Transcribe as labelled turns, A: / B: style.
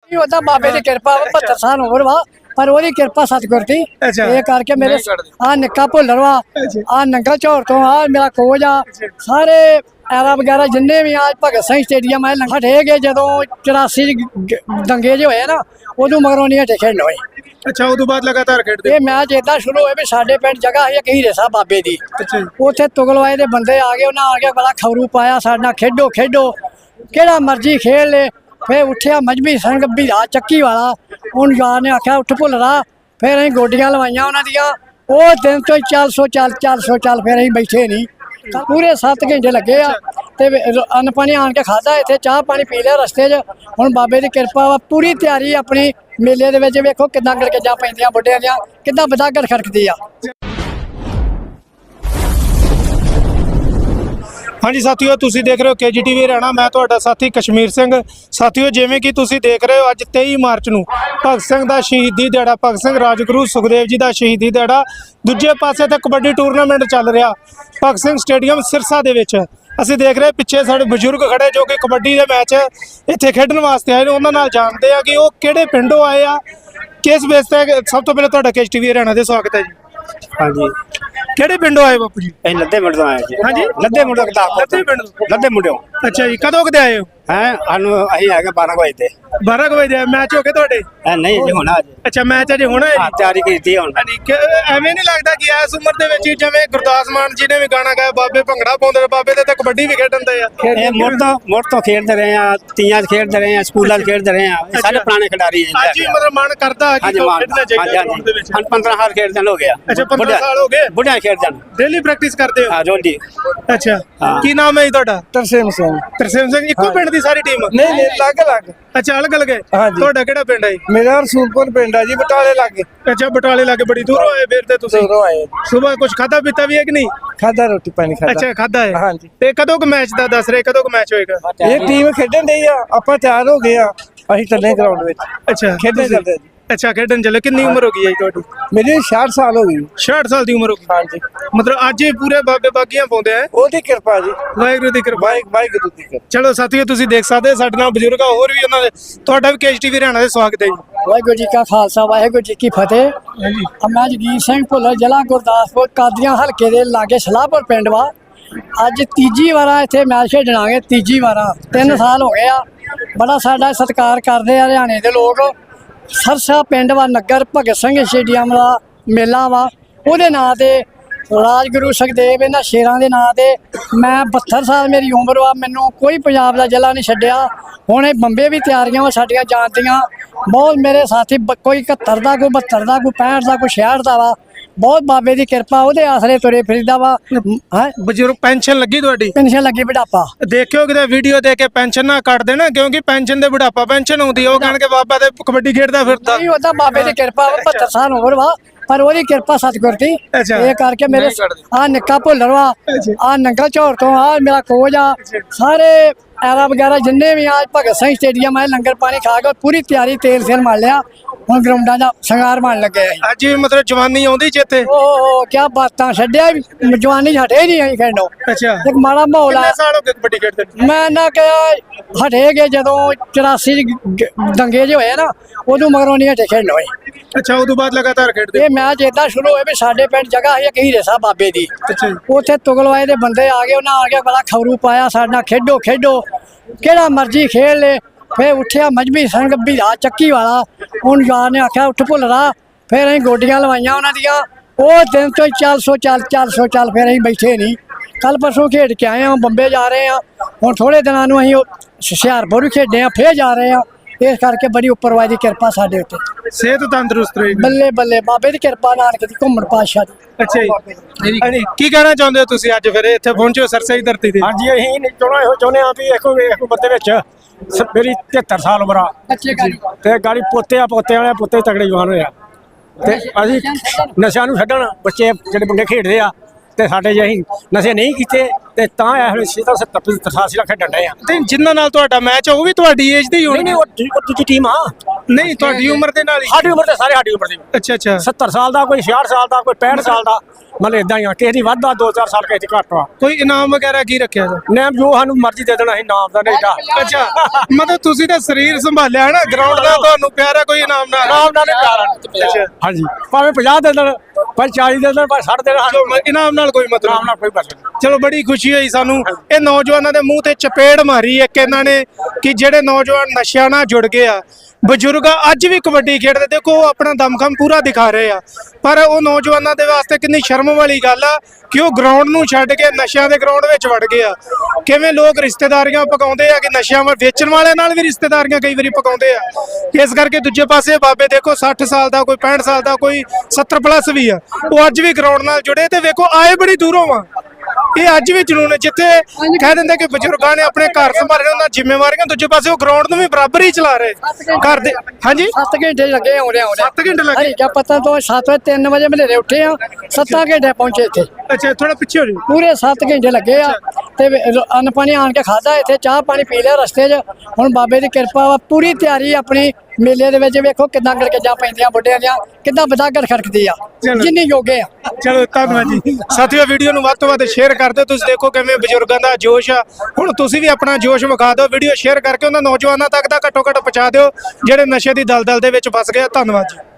A: ਉਹਦਾ ਬਾਬੇ ਦੀ ਕਿਰਪਾ 72 ਸਾਲ ਉਮਰ ਵਾ ਪਰ ਉਹਦੀ ਕਿਰਪਾ ਸਤਿਗੁਰ ਦੀ ਇਹ ਕਰਕੇ ਮੇਰੇ ਆ ਨਿੱਕਾ ਭੁੱਲਰ ਵਾ ਆ ਨੰਗਾ ਝੌਰ ਤੋਂ ਆ ਮੇਰਾ ਕੋਚ ਆ ਸਾਰੇ ਐਰਾ ਵਗੈਰਾ ਜਿੰਨੇ ਵੀ ਆ ਭਗਤ ਸਿੰਘ ਸਟੇਡੀਅਮ ਆ ਹਟੇ ਗਏ ਜਦੋਂ 84 ਦੰਗੇ ਜੇ ਹੋਏ ਨਾ ਉਦੋਂ ਮਗਰੋਂ ਨਹੀਂ ਹਟੇ ਖੇਡਣ ਹੋਏ।
B: ਅੱਛਾ ਉਦੋਂ ਬਾਅਦ ਲਗਾਤਾਰ ਖੇਡਦੇ
A: ਇਹ ਮੈਚ ਏਦਾਂ ਸ਼ੁਰੂ ਹੋਏ ਵੀ ਸਾਡੇ ਪਿੰਡ ਜਗ੍ਹਾ ਹੈ ਕਹੀਰੇ ਸਾਹਿਬ ਬਾਬੇ ਦੀ ਉੱਥੇ ਤੁਗਲਵਾਏ ਦੇ ਬੰਦੇ ਆ ਗਏ ਉਹਨਾਂ ਆ ਕੇ ਬੜਾ ਖਬਰੂ ਪਾਇਆ ਸਾਡੇ ਨਾਲ ਖੇਡੋ ਖੇਡੋ ਕਿਹੜਾ ਮਰਜ਼ੀ ਖੇਡ ਲੈ। ਫਿਰ ਉੱਠਿਆ ਮਜਬੀ ਸਿੰਘ ਵੀਰਾ ਚੱਕੀ ਵਾਲਾ ਉਹਨੂੰ ਯਾਰ ਨੇ ਆਖਿਆ ਉੱਠ ਭੁੱਲਦਾ ਫਿਰ ਅਸੀਂ ਗੋਡੀਆਂ ਲਵਾਈਆਂ ਉਹਨਾਂ ਦੀਆਂ ਉਹ ਦਿਨ ਤੋਂ 400 ਚੱਲ ਫਿਰ ਅਸੀਂ ਬੈਠੇ ਨਹੀਂ ਪੂਰੇ 7 ਘੰਟੇ ਲੱਗੇ ਆ ਤੇ ਅੰਨ ਪਾਣੀ ਆਣ ਕੇ ਖਾਦਾ ਇੱਥੇ ਚਾਹ ਪਾਣੀ ਪੀ ਲਿਆ ਰਸਤੇ 'ਚ। ਹੁਣ ਬਾਬੇ ਦੀ ਕਿਰਪਾ ਵਾ ਪੂਰੀ ਤਿਆਰੀ ਆਪਣੀ ਮੇਲੇ ਦੇ ਵਿੱਚ ਵੇਖੋ ਕਿੱਦਾਂ ਗੜਗੱਜਾਂ ਪੈਂਦੀਆਂ ਬੁੱਢਿਆਂ ਦੀਆਂ ਕਿੱਦਾਂ ਬਦਾਗੜ ਖੜਕਦੀ ਆ।
B: ਹਾਂਜੀ ਸਾਥੀਓ ਤੁਸੀਂ ਦੇਖ ਰਹੇ ਹੋ KGTV ਹਰਿਆਣਾ ਮੈਂ ਤੁਹਾਡਾ ਸਾਥੀ ਕਸ਼ਮੀਰ ਸਿੰਘ। ਸਾਥੀਓ ਜਿਵੇਂ ਕਿ ਤੁਸੀਂ ਦੇਖ ਰਹੇ ਹੋ ਅੱਜ 23 ਮਾਰਚ ਨੂੰ ਭਗਤ ਸਿੰਘ ਦਾ ਸ਼ਹੀਦੀ ਦਿਹਾੜਾ ਭਗਤ ਸਿੰਘ ਰਾਜਗੁਰੂ ਸੁਖਦੇਵ ਜੀ ਦਾ ਸ਼ਹੀਦੀ ਦਿਹਾੜਾ ਦੂਜੇ ਪਾਸੇ ਤੇ ਕਬੱਡੀ ਟੂਰਨਾਮੈਂਟ ਚੱਲ ਰਿਹਾ ਭਗਤ ਸਿੰਘ ਸਟੇਡੀਅਮ ਸਿਰਸਾ ਦੇ ਵਿੱਚ। ਅਸੀਂ ਦੇਖ ਰਹੇ ਪਿੱਛੇ ਸਾਡੇ ਬਜ਼ੁਰਗ ਖੜੇ ਜੋ ਕਿ ਕਬੱਡੀ ਦੇ ਮੈਚ ਇੱਥੇ ਖੇਡਣ ਵਾਸਤੇ ਆਏ ਨੇ ਉਹਨਾਂ ਨਾਲ ਜਾਣਦੇ ਆ ਕਿ ਉਹ ਕਿਹੜੇ ਪਿੰਡੋਂ ਆਏ ਆ ਕਿਸ ਬੇਸ ਤੇ। ਸਭ ਤੋਂ ਪਹਿਲਾਂ ਤੁਹਾਡਾ KGTV ਹਰਿਆਣਾ ਦੇ ਸਵਾਗਤ ਹੈ ਜੀ।
C: ਹਾਂਜੀ
B: ਕਿਹੜੇ ਪਿੰਡੋਂ ਆਏ ਬਾਪੂ ਜੀ?
C: ਅਸੀਂ ਲੱਦੇ ਮੁੰਡੇ ਤੋਂ ਆਏ ਜੀ।
B: ਹਾਂਜੀ
C: ਲੱਦੇ ਮੁੰਡੇ ਕਿਤਾਬ
B: ਲੱਦੇ ਪਿੰਡ ਤੋਂ।
C: ਲੱਦੇ ਮੁੰਡਿਓ
B: ਅੱਛਾ ਜੀ ਕਦੋਂ ਕਦੇ ਆਏ ਹੋ?
C: ਹੈ ਸਾਨੂੰ ਅਸੀਂ ਹੈਗੇ 12 ਵਜੇ ਤੇ
B: 12 ਵਜੇ ਮੈਚ ਹੋ ਗਏ ਤੁਹਾਡੇ?
C: ਨਹੀਂ ਜੀ ਹੋਣਾ ਜੀ।
B: ਅੱਛਾ ਮੈਚ ਅਜੇ ਹੋਣਾ ਹੈ
C: ਹਾਂ ਤਿਆਰੀ ਕੀਤੀ ਹੁਣ।
B: ਐਵੇਂ ਨਹੀਂ ਲੱਗਦਾ ਕਿ ਇਸ ਉਮਰ ਦੇ ਵਿੱਚ ਜਿਵੇਂ ਗੁਰਦਾਸ ਮਾਨ ਜੀ ਨੇ ਵੀ ਗਾਣਾ ਗਾਇਆ ਬਾਬੇ ਭੰਗੜਾ ਪਾਉਂਦੇ ਨੇ ਬਾਬੇ ਤੇ ਕਬੱਡੀ ਵੀ ਖੇਡਦੇ ਆ।
C: ਇਹ ਮੁੜ ਤੋਂ ਖੇਡਦੇ ਰਹੇ ਆ ਤੀਆਂ 'ਚ ਖੇਡਦੇ ਰਹੇ ਆ ਸਕੂਲਾਂ 'ਚ ਖੇਡਦੇ ਰਹੇ ਆ ਇਹ ਸਾਰੇ ਪੁਰਾਣੇ ਖਿਡਾਰੀ ਹੈ।
B: ਅੱਜ ਵੀ ਮਤਲਬ ਮਨ ਕਰਦਾ ਕਿ ਖੇਡਣਾ ਚਾਹੀਦਾ ਦੇ ਵਿੱਚ।
C: ਹਾਂ 15 ਸਾਲ ਖੇਡਦੇ ਹੋ ਗਿਆ।
B: ਅੱਛਾ 15 ਸਾਲ ਹੋ ਗਏ
C: ਬੁੱਢਿਆਂ ਖੇਡਦੇ
B: ਡੇਲੀ ਪ੍ਰੈਕਟਿਸ ਕਰਦੇ ਹੋ?
C: ਹਾਂ ਰੋਜ਼।
B: ਅੱਛਾ ਕੀ ਨਾਮ ਹੈ ਜੀ ਤੁਹਾਡਾ?
A: ਤਰਸੇਮ ਸਿੰਘ।
B: ਤਰਸੇਮ ਸਿੰਘ ਇੱਕੋ ਪਿੰਡ ਦੀ ਸਾਰੀ ਟੀਮ?
A: ਨਹੀਂ ਅਲੱਗ
B: ਅੱਛਾ ਅਲੱਗ ਅਲੱਗ ਹੈ। ਤੁਹਾਡਾ ਕਿਹੜਾ ਪਿੰਡ ਹੈ?
A: ਮੇਰਾ ਰਸੂਲਪੁਰ ਪਿੰਡ ਆ ਜੀ ਬਟਾਲੇ ਲੱਗੇ।
B: ਅੱਛਾ ਬਟਾਲੇ ਲੱਗੇ ਬੜੀ ਦੂਰੋਂ ਆਏ ਫਿਰ ਤੇ ਤੁਸੀਂ?
A: ਦੂਰੋਂ ਆਏ।
B: ਸਵੇਰ ਕੁਝ ਖਾਦਾ ਪੀਤਾ ਵੀ ਹੈ ਕਿ ਨਹੀਂ?
A: ਖਾਦਾ ਰੋਟੀ ਪਾਣੀ ਖਾਦਾ।
B: ਅੱਛਾ ਖਾਦਾ ਹੈ।
A: ਹਾਂਜੀ
B: ਤੇ ਕਦੋਂ ਕੁ ਮੈਚ ਦਾ ਦੱਸ ਰਹੇ ਕਦੋਂ ਕੁ ਮੈਚ ਹੋਏਗਾ?
A: ਇਹ ਟੀਮ ਖੇਡਣ ਡਈ ਆ ਆਪਾਂ ਤਿਆਰ ਹੋ ਗਏ ਆ ਅਸੀਂ ਚੱਲੇ ਗਰਾਊਂਡ ਵਿੱਚ।
B: ਅੱਛਾ
A: ਖੇਡਣ ਚੱਲਦੇ ਜੀ।
B: ਅੱਛਾ ਖੇਡਣ ਚੱਲੇ। ਕਿੰਨੀ ਉਮਰ ਹੋ ਗਈ ਹੈ ਤੁਹਾਡੀ?
A: ਮੇਰੀ 66 ਸਾਲ ਹੋ ਗਈ।
B: 66 ਸਾਲ ਦੀ ਉਮਰ ਹੋ ਗਈ?
A: ਹਾਂਜੀ
B: ਮਤਲਬ ਅੱਜ ਹੀ ਪੂਰੇ ਬਾਬੇ ਬਾਗੀਆਂ ਪਾਉਂਦੇ ਆ?
A: ਉਹਦੀ ਕਿਰਪਾ ਜੀ
B: ਵਾਹਿਗੁਰੂ ਦੀ ਕਿਰਪਾ।
A: ਵਾਹਿਗੁਰੂ ਦੀ ਕਿਰਪਾ।
B: ਚਲੋ ਸਾਥੀਓ ਤੁਸੀਂ ਦੇਖ ਸਕਦੇ ਸਾਡੇ ਨਾਲ ਬਜ਼ੁਰਗ ਆ ਹੋਰ ਵੀ ਉਹਨਾਂ ਦੇ ਤੁਹਾਡਾ ਵੀ KGTV ਹਰਿਆਣਾ ਦੇ ਸਵਾਗਤ ਹੈ ਜੀ।
A: ਵਾਹਿਗੁਰੂ ਜੀ ਕਾ ਖਾਲਸਾ ਵਾਹਿਗੁਰੂ ਜੀ ਕੀ ਫਤਿਹ।
B: ਹਾਂਜੀ
A: ਮੈਂ ਜਗੀਰ ਸਿੰਘ ਭੁੱਲਰ ਜ਼ਿਲ੍ਹਾ ਗੁਰਦਾਸਪੁਰ ਕਾਦੀਆਂ ਹਲਕੇ ਦੇ ਲਾਗੇ ਸਲਾਹਪੁਰ ਪਿੰਡ ਵਾ। ਅੱਜ ਤੀਜੀ ਵਾਰ ਇੱਥੇ ਮੈਚ ਖੇਡਣਾਗੇ ਤੀਜੀ ਵਾਰ 3 ਸਾਲ ਹੋ ਗਏ ਆ। ਬੜਾ ਸਾਡਾ ਸਤਿਕਾਰ ਕਰਦੇ ਆ ਹਰਿਆਣੇ ਦੇ ਲੋਕ। ਸਰਸਾ ਪਿੰਡ ਵਾ ਨਗਰ ਭਗਤ ਸਿੰਘ ਸਟੇਡੀਅਮ ਦਾ ਮੇਲਾ ਵਾ ਉਹਦੇ ਨਾਂ ਤੇ ਰਾਜਗੁਰੂ ਸੁਖਦੇਵ ਇਹਨਾਂ ਸ਼ੇਰਾਂ ਦੇ ਨਾਂ ਤੇ ਮੈਂ 72 ਸਾਲ ਮੇਰੀ ਉਮਰ ਵਾ ਮੈਨੂੰ ਕੋਈ ਪੰਜਾਬ ਦਾ ਜ਼ਿਲ੍ਹਾ ਨਹੀਂ ਛੱਡਿਆ। ਹੁਣ ਇਹ ਬੰਬੇ ਵੀ ਤਿਆਰੀਆਂ ਵਾ ਸਾਡੀਆਂ ਜਾਣ ਦੀਆਂ ਬਹੁਤ ਮੇਰੇ ਸਾਥੀ ਕੋਈ 71 ਦਾ ਕੋਈ 72 ਦਾ ਕੋਈ 65 ਦਾ ਕੋਈ 66 ਦਾ ਵਾ ਬਹੁਤ ਬਾਬੇ ਦੀ ਕਿਰਪਾ ਉਹਦੇ ਆਸਰੇ ਤੁਰੇ ਫਿਰਦਾ ਵਾ।
B: ਬਜ਼ੁਰਗ ਪੈਨਸ਼ਨ ਲੱਗੀ ਤੁਹਾਡੀ?
A: ਪੈਨਸ਼ਨ ਲੱਗੀ ਬੁਢਾਪਾ।
B: ਦੇਖਿਓ ਕਿਤੇ ਵੀਡੀਓ ਦੇ ਕੇ ਪੈਨਸ਼ਨ ਨਾ ਕੱਟ ਦੇਣਾ ਕਿਉਂਕਿ ਪੈਨਸ਼ਨ ਦੇ ਬੁਢਾਪਾ ਪੈਨਸ਼ਨ ਆਉਂਦੀ ਉਹ ਕਹਿਣ ਕੇ ਬਾਬਾ ਤੇ ਕਬੱਡੀ ਖੇਡਦਾ ਫਿਰਦਾ।
A: ਨਹੀਂ ਉਹਦਾ ਬਾਬੇ ਦੀ ਕਿਰਪਾ 72 ਸਾਲ ਉਮਰ ਵਾ ਪਰ ਉਹਦੀ ਕਿਰਪਾ ਸਤਿਗੁਰ ਦੀ ਇਹ ਕਰਕੇ ਮੇਰੇ ਆ ਨਿੱਕਾ ਭੁੱਲਰ ਵਾ ਆ ਨੰਗਾ ਝੌਰ ਤੋਂ ਆ ਮੇਰਾ ਕੋਚ ਆ ਸਾਰੇ ਐਰਾ ਵਗੈਰਾ ਜਿੰਨੇ ਵੀ ਆ ਭਗਤ ਸਿੰਘ ਸਟੇਡੀਅਮ ਆ ਲੰਗਰ ਪਾਣੀ ਖਾ ਕੇ ਪੂਰੀ ਤਿਆਰੀ ਤੇਲ ਸੇਲ ਮਾਰ ਲਿਆ ਹੁਣ ਗਰਾਊਂਡਾਂ ਦਾ ਸ਼ਿੰਗਾਰ ਮਾਰਨ ਲੱਗੇ ਆ।
B: ਅੱਜ ਵੀ ਮਤਲਬ ਜਵਾਨੀ ਆਉਂਦੀ ਚੇਤੇ?
A: ਓਹ ਕੀ ਬਾਤਾਂ ਛੱਡਿਆ ਜਵਾਨੀ ਹਟੇ ਨਹੀਂ ਅਸੀਂ ਖੇਡੋ।
B: ਅੱਛਾ
A: ਇੱਕ ਮਾੜਾ ਮਾਹੌਲ ਆ।
B: ਕਿੰਨੇ ਸਾਲ ਹੋ ਗਏ ਕਬੱਡੀ ਖੇਡਦੇ?
A: ਮੈਂ ਨਾ ਕਿਹਾ ਹਟੇ ਗਏ ਜਦੋਂ 84 ਦੰਗੇ ਜੇ ਹੋਏ ਨਾ ਉਦੋਂ ਮਗਰੋਂ ਨਹੀਂ ਹਟੇ ਖੇਡਣ ਹੋਏ।
B: ਅੱਛਾ ਉਦੋਂ ਬਾਅਦ ਲਗਾਤਾਰ ਖੇਡਦੇ?
A: ਇਹ ਮੈਚ ਏਦਾਂ ਸ਼ੁਰੂ ਹੋਏ ਵੀ ਸਾਡੇ ਪਿੰਡ ਜਗ੍ਹਾ ਹੈ ਕਹੀਰੇ ਸਾਹਿਬ ਬਾਬੇ ਦੀ ਉੱਥੇ ਤੁਗਲਵਾਏ ਦੇ ਬੰਦੇ ਆ ਗਏ ਉਹਨਾਂ ਆ ਕੇ ਬੜਾ ਖਬਰੂ ਪਾਇਆ ਸਾਡੇ ਨਾਲ ਖੇਡੋ ਖੇਡੋ ਕਿਹੜਾ ਮਰਜ਼ੀ ਖੇਡ ਲੈ। ਫਿਰ ਉੱਠਿਆ ਮਜਬੀ ਸਿੰਘ ਵੀਰਾ ਚੱਕੀ ਵਾਲਾ ਉਹਨੂੰ ਯਾਰ ਨੇ ਆਖਿਆ ਉੱਠ ਭੁੱਲਦਾ ਫਿਰ ਅਸੀਂ ਗੋਡੀਆਂ ਲਵਾਈਆਂ ਉਹਨਾਂ ਦੀਆਂ ਉਹ ਦਿਨ ਤੋਂ 400 ਚੱਲ ਫਿਰ ਅਸੀਂ ਬੈਠੇ ਨਹੀਂ। ਕੱਲ ਪਰਸੋਂ ਖੇਡ ਕੇ ਆਏ ਹਾਂ ਬੰਬੇ ਜਾ ਰਹੇ ਹਾਂ ਹੁਣ ਥੋੜੇ ਦਿਨਾਂ ਨੂੰ ਅਸੀਂ ਹੁਸ਼ਿਆਰਪੁਰ ਵੀ ਖੇਡੇ ਹਾਂ ਫਿਰ ਜਾ ਰਹੇ ਹਾਂ। ਇਸ ਕਰਕੇ ਬੜੀ ਉੱਪਰਵਾਦੀ ਦੀ ਕਿਰਪਾ ਸਾਡੇ ਉੱਤੇ।
B: ਸਿਹਤ ਤੰਦਰੁਸਤ ਰਹੀ?
A: ਬੱਲੇ ਬੱਲੇ ਬਾਬੇ ਦੀ ਕਿਰਪਾ ਨਾਨਕ ਦੀ ਘੁੰਮਣ ਪਾਤਸ਼ਾਹ ਦੀ।
B: ਅੱਛਾ ਜੀ ਕੀ ਕਹਿਣਾ ਚਾਹੁੰਦੇ ਹੋ ਤੁਸੀਂ ਅੱਜ ਫਿਰ ਇੱਥੇ ਪਹੁੰਚੇ ਹੋ ਸਰਸਾ ਦੀ ਧਰਤੀ ਤੇ?
C: ਹਾਂਜੀ ਅਸੀਂ ਚਾਹੁੰਦੇ ਹਾਂ ਵੀ ਇੱਕ ਉਮਰ ਦੇ ਵਿੱਚ ਮੇਰੀ 73 ਸਾਲ ਉਮਰ ਆ ਤੇ ਗਾੜੀ ਪੋਤੇ ਵਾਲੇ ਪੋਤੇ ਤਗੜੇ ਜਵਾਨ ਹੋਇਆ ਤੇ ਅਸੀਂ ਨਸ਼ਿਆਂ ਨੂੰ ਛੱਡਣ ਬੱਚੇ ਜਿਹੜੇ ਮੁੰਡੇ ਖੇਡਦੇ ਆ ਤੇ ਸਾਡੇ ਜੇ ਅਸੀਂ ਨਸ਼ੇ ਨਹੀਂ ਕੀਤੇ ਤੇ ਤਾਂ ਇਹ ਵੇਲੇ 70 87 ਲੱਖ ਖੇਡਣ ਡਏ ਆ।
B: ਤੇ ਜਿਨ੍ਹਾਂ ਨਾਲ ਤੁਹਾਡਾ ਮੈਚ ਉਹ ਵੀ ਤੁਹਾਡੀ ਏਜ ਦੇ ਹੀ
C: ਨਹੀਂ
B: ਹੋਣਗੇ?
C: ਨਹੀਂ ਉਹ ਦੂਜੀ ਟੀਮ ਆ।
B: ਨਹੀਂ ਤੁਹਾਡੀ ਉਮਰ ਦੇ ਨਾਲ ਹੀ?
C: ਸਾਡੀ ਉਮਰ ਦੇ ਸਾਰੇ ਸਾਡੀ ਉਮਰ ਦੇ।
B: ਅੱਛਾ ਅੱਛਾ
C: 70 ਸਾਲ ਦਾ, ਕੋਈ 66 ਸਾਲ ਦਾ, ਕੋਈ 65 ਸਾਲ ਦਾ, ਮਤਲਬ ਇਦਾਂ ਹੀ ਆ। ਕਿਸੇ ਦੀ ਵੱਧ ਆ 2-4 ਸਾਲ, ਕਿਸੇ ਦੀ ਘੱਟ ਆ।
B: ਕੋਈ ਇਨਾਮ ਵਗੈਰਾ ਕੀ ਰੱਖਿਆ ਜੀ?
C: ਨੇਮ ਜੋ ਸਾਨੂੰ ਮਰਜ਼ੀ ਦੇ ਦੇਣਾ, ਅਸੀਂ ਨਾਮ ਦਾ ਨਹੀਂ ਦਾ।
B: ਅੱਛਾ ਮਤਲਬ ਤੁਸੀਂ ਤਾਂ ਸਰੀਰ ਸੰਭਾਲਿਆ ਹੈ ਨਾ, ਗਰਾਊਂਡ ਦਾ ਤੁਹਾਨੂੰ ਪਿਆਰ ਹੈ, ਕੋਈ ਇਨਾਮ ਨਾ?
C: ਨਾਮ ਨਾਲ ਨਹੀਂ ਪਿਆਰ।
B: ਅੱਛਾ
C: ਹਾਂਜੀ ਭਾਵੇਂ 50 ਦੇ ਦੇਣ, ਭਾਵੇਂ 40 ਦੇ ਦੇਣ, ਭਾਵੇਂ 60 ਦੇ ਦੇਣ,
B: ਜੋ ਇਨਾਮ ਨਾਲ ਕੋਈ ਮਤਲਬ
C: ਨਾਮ ਨਾਲ ਕੋਈ ਮਤਲਬ ਨਹੀਂ।
B: ਚਲੋ ਬੜੀ ਖੁਸ਼ੀ ਹੋਈ ਸਾਨੂੰ। ਇਹ ਨੌਜਵਾਨਾਂ ਦੇ ਮੂੰਹ ਤੇ ਚਪੇੜ ਮਾਰੀ ਇੱਕ ਇਹਨਾਂ ਨੇ ਕਿ ਜਿਹੜੇ ਨੌਜਵਾਨ ਨਸ਼ਿਆਂ ਨਾਲ ਜੁੜ ਗਏ ਆ। ਬਜ਼ੁਰਗ ਅੱਜ ਵੀ ਕਬੱਡੀ ਖੇਡਦੇ, ਦੇਖੋ ਉਹ ਆਪਣਾ ਦਮਖਮ ਪੂਰਾ ਦਿਖਾ ਰਹੇ ਆ, ਪਰ ਉਹ ਨੌਜਵਾਨਾਂ ਦੇ ਵਾਸਤੇ ਕਿੰਨੀ ਸ਼ਰਮ ਵਾਲੀ ਗੱਲ ਆ ਕਿ ਉਹ ਗਰਾਊਂਡ ਨੂੰ ਛੱਡ ਕੇ ਨਸ਼ਿਆਂ ਦੇ ਗਰਾਊਂਡ ਵਿੱਚ ਵੜ ਗਏ ਆ। ਕਿਵੇਂ ਲੋਕ ਰਿਸ਼ਤੇਦਾਰੀਆਂ ਪਕਾਉਂਦੇ ਆ ਕਿ ਨਸ਼ਿਆਂ ਵੇਚਣ ਵਾਲਿਆਂ ਨਾਲ ਵੀ ਰਿਸ਼ਤੇਦਾਰੀਆਂ ਕਈ ਵਾਰੀ ਪਕਾਉਂਦੇ ਆ। ਇਸ ਕਰਕੇ ਦੂਜੇ ਪਾਸੇ ਬਾਬੇ ਦੇਖੋ 60 ਸਾਲ ਦਾ, ਕੋਈ 65 ਸਾਲ ਦਾ, ਕੋਈ 70 ਪਲੱਸ ਵੀ ਆ, ਉਹ ਅੱਜ ਵੀ ਗਰਾਊਂਡ ਨਾਲ ਜੁੜੇ ਤੇ ਵੇਖੋ ਆਏ ਬੜੀ ਦੂਰੋਂ ਆ। ਇਹ ਅੱਜ ਵੀ ਜਨੂਨ ਹੈ, ਜਿੱਥੇ ਕਹਿ ਦਿੰਦੇ ਕਿ ਬਜ਼ੁਰਗਾਂ ਨੇ ਆਪਣੇ ਘਰ ਸੰਭਾਲੇ ਉਹਨਾਂ ਜ਼ਿੰਮੇਵਾਰੀਆਂ, ਦੂਜੇ ਪਾਸੇ ਉਹ ਗਰਾਊਂਡ ਨੂੰ ਵੀ ਬਰਾਬਰ ਹੀ ਚਲਾ ਰਹੇ ਘਰ ਦੇ। ਹਾਂਜੀ
A: 7 ਘੰਟੇ ਲੱਗੇ ਆਉਂਦੇ
B: 7 ਘੰਟੇ ਲੱਗੇ?
A: ਹਰੀ ਕਿਆ ਪਤਾ ਤੋਂ 7 ਵਜੇ 3 ਵਜੇ ਮਲੇਰੇ ਉੱਠੇ ਆ, 7 ਘੰਟੇ ਪਹੁੰਚੇ ਇੱਥੇ।
B: ਅੱਛਾ ਥੋੜਾ ਪਿੱਛੇ ਹੋ ਜਾਓ।
A: ਪੂਰੇ 7 ਘੰਟੇ ਲੱਗੇ ਆ ਤੇ ਅੰਨ ਪਾਣੀ ਆਣ ਕੇ ਖਾਦਾ, ਇੱਥੇ ਚਾਹ ਪਾਣੀ ਪੀ ਲਿਆ ਰਸਤੇ 'ਚ। ਹੁਣ ਬਾਬੇ ਦੀ ਕਿਰਪਾ ਵਾ, ਪੂਰੀ ਤਿਆਰੀ ਆਪਣੀ ਮੇਲੇ ਦੇ ਵਿੱਚ। ਵੇਖੋ ਕਿੱਦਾਂ ਗੜਗੱਜਾਂ ਪੈਂਦੀਆਂ ਬੁੱਢਿਆਂ ਦੀਆਂ, ਕਿੱਦਾਂ ਬਦਾਗੜ ਖੜਕਦੀ ਆ, ਜਿੰਨੀ ਯੋਗੇ ਆ।
B: ਚਲੋ ਧੰਨਵਾਦ ਜੀ। ਸਾਥੀਓ ਵੀਡੀਓ ਨੂੰ ਵੱਧ ਤੋਂ ਵੱਧ ਸ਼ੇਅਰ ਕਰ ਦਿਓ। ਤੁਸੀਂ ਦੇਖੋ ਕਿਵੇਂ ਬਜ਼ੁਰਗਾਂ ਦਾ ਜੋਸ਼ ਆ। ਹੁਣ ਤੁਸੀਂ ਵੀ ਆਪਣਾ ਜੋਸ਼ ਵਿਖਾ ਦਿਓ, ਵੀਡੀਓ ਸ਼ੇਅਰ ਕਰਕੇ ਉਹਨਾਂ ਨੌਜਵਾਨਾਂ ਤੱਕ ਦਾ ਘੱਟੋ ਘੱਟ ਪਹੁੰਚਾ ਦਿਓ ਜਿਹੜੇ ਨਸ਼ੇ ਦੀ ਦਲਦਲ ਦੇ ਵਿੱਚ ਫਸ ਗਏ ਆ। ਧੰਨਵਾਦ ਜੀ।